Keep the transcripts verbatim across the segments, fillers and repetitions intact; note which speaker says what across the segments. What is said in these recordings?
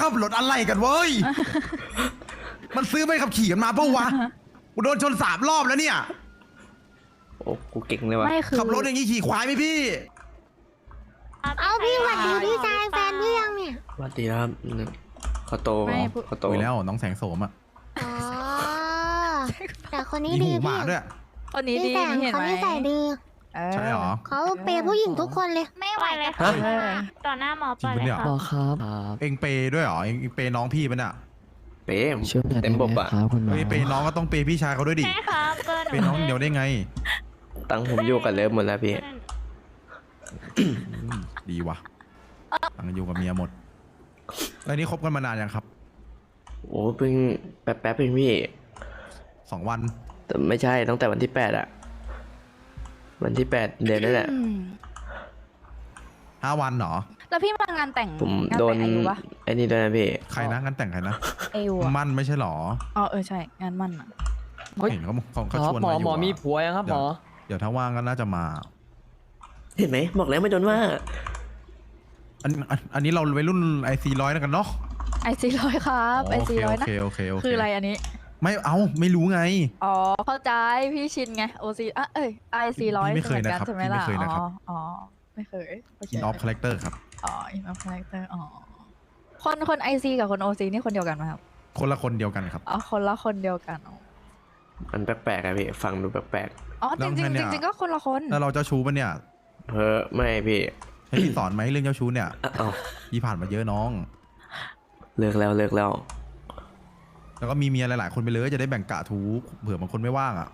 Speaker 1: ขับรถอะไรกันเว้ย มันซื้อไม่ขับขี่กันมาเปล่าวะกูโดนชนสามรอบแล้วเนี่ย
Speaker 2: โอ้กูเก่งเลยวะ
Speaker 3: ไม่คือ
Speaker 1: ขับรถอย่างงี้ขี่ควายไหมพี่
Speaker 4: เอาพี่หวัดดีพี่ชายแฟนพี่ยังเนี่ย
Speaker 2: สวัสดีครับเขาโต
Speaker 3: ไม่พูด
Speaker 2: เขาโต
Speaker 1: โตแล้วน้องแสงโสมอ่ะ
Speaker 4: อ๋อแต่คนนี้
Speaker 1: มี
Speaker 4: ดี
Speaker 1: หูห
Speaker 4: พี่
Speaker 1: มาด้วย
Speaker 3: คนนี้
Speaker 4: พี่
Speaker 3: ดี
Speaker 4: แสง
Speaker 3: เห็น
Speaker 4: เขา
Speaker 3: ไหม
Speaker 4: นิสัยดี
Speaker 3: เออ
Speaker 1: ใช่หรอ
Speaker 4: เขาเปย์ผู้หญิงทุกคนเลย
Speaker 5: ไม่ไหวเลย
Speaker 2: ฮะ
Speaker 5: ค่ะต่อหน้าหมอปล่อยเลยค่ะ
Speaker 6: หมอครับครับ
Speaker 1: เองเปย์ด้วยเหรอเองเปย์น้องพี่มันอ่ะ
Speaker 2: เป๊ะ
Speaker 6: ช่วยหน่อย
Speaker 2: เต็
Speaker 6: ได้
Speaker 2: ม
Speaker 6: ไห
Speaker 2: บบ
Speaker 6: ม
Speaker 2: อ่ะ
Speaker 6: ครับคุณหมอ
Speaker 1: เฮ้ยเปย์น้องก็ต้องเปย์พี่ชายเขาด้วยดิ
Speaker 5: ใช่ครับเบอร์หนู
Speaker 1: เปย์น้องเดียวได้ไง
Speaker 2: ตังค์ผมอยู่กับเลิฟหมดแล้วพี่
Speaker 1: อืมดีว่ะตั้งอยู่กับเมียหมด แล้วนี่คบกันมานานยังครับ
Speaker 2: โอ้เพิ่งแป๊บแป๊บๆเองพี่
Speaker 1: สองวัน
Speaker 2: แต่ไม่ใช่ตั้งแต่วันที่แปดอะวันที่แปดเดือนนั่นแหละ
Speaker 3: อืม
Speaker 1: ห้าวันเหรอ
Speaker 3: แล้วพี่มางานแต่ง
Speaker 2: ผม
Speaker 3: งาน
Speaker 2: โด
Speaker 3: แต่
Speaker 2: น
Speaker 3: งอายุปะ
Speaker 2: ไอ้นี่ด้วยนะพี่
Speaker 1: ใครนะงานแต่งใครนะ
Speaker 3: อายุอะ
Speaker 1: มั่นไม่ใช่เหรอ
Speaker 3: อ๋อเออใช่งานมั่นอะ
Speaker 1: เห็นเขาเขา
Speaker 6: ค
Speaker 1: เขา
Speaker 6: รับ
Speaker 1: ชวน
Speaker 6: หมอ
Speaker 1: มาอยู่
Speaker 6: หมอมี
Speaker 1: อะ
Speaker 6: ผัวยังครับหมอ
Speaker 1: เดี๋ยวถ้าว่างก็น่าจะมา
Speaker 2: เห็นไหมบอกแล้วไม่โดนว่า
Speaker 1: อันอันอันนี้เราวัยรุ่นไอซีร้อยนะกันเนาะ
Speaker 3: ไอซีร้อยครับไอ
Speaker 1: โอ
Speaker 3: ซี
Speaker 1: เค
Speaker 3: ร้อ
Speaker 1: โอย
Speaker 3: นะ
Speaker 1: เคโอเคโอเค
Speaker 3: คืออะไรอันนี้
Speaker 1: ไม่เอาไม่รู้ไง
Speaker 3: อ๋อเข้าใจพี่ชินไงโอซีอ่ะเอ้ยไอซีร้อย
Speaker 1: พี่ไม่เคยนะครับ
Speaker 3: ใช่ไหม
Speaker 1: พี่ไม่
Speaker 3: ล่ะ
Speaker 1: เคย
Speaker 3: อ๋
Speaker 1: นะครับ
Speaker 3: ออ๋อไม่เคยโอเค
Speaker 1: อินออฟคาแรคเตอร์ครับ
Speaker 3: อ๋ออินออฟคาแรคเตอร์อ๋อคนคนไอซีกับคนโอซีนี่คนเดียวกันไหมครับ
Speaker 1: คนละคนเดียวกันครับ
Speaker 3: อ๋อคนละคนเดียวกันอ๋อ
Speaker 2: มันแปลกๆอะพี่ฟังดูแปลก
Speaker 3: อ๋อจริงจริง
Speaker 1: แล้วไงเนี่ย
Speaker 3: จริงๆก็คนละคน
Speaker 1: แล้วเราเจ้าชู้ปะเนี่ย
Speaker 2: ๆเฮ้อไม่พี่
Speaker 1: ให้พี่สอนไหมเรื่องเจ้าชู้เนี่ย
Speaker 2: อ่ะเอ้า
Speaker 1: พี่ผ่านมาเยอะน้อง
Speaker 2: เลิกแล้วเลิกแล้ว
Speaker 1: แล้วก็มีเมียหลายๆคนไปเลยจะได้แบ่งกะทูเผื่อบางคนไม่ว่างอ่ะ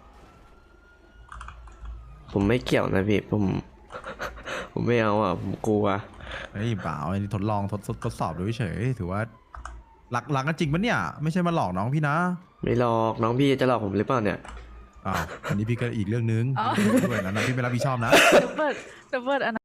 Speaker 2: ผมไม่เกี่ยวนะพี่ผม ผมไม่เอาอ่ะผมกลัว
Speaker 1: ไอ้ยเปล่าอันนี้ทดลองทดทดทดสอบดูเฉยๆถือว่ารักรักกันจริงปะเนี่ย ไม่ใช่มาหลอกน้องพี่นะ
Speaker 2: ไม่หลอกน้องพี่จะหลอกผมหรือเปล่าเนี่ย
Speaker 1: อ้าวอันนี้พี่ก็อีกเรื่องนึงด้วยนะนะพี่ไม่รับผิดชอบนะ
Speaker 3: เดี๋ยวเปิดเดี๋ยวเปิดอัน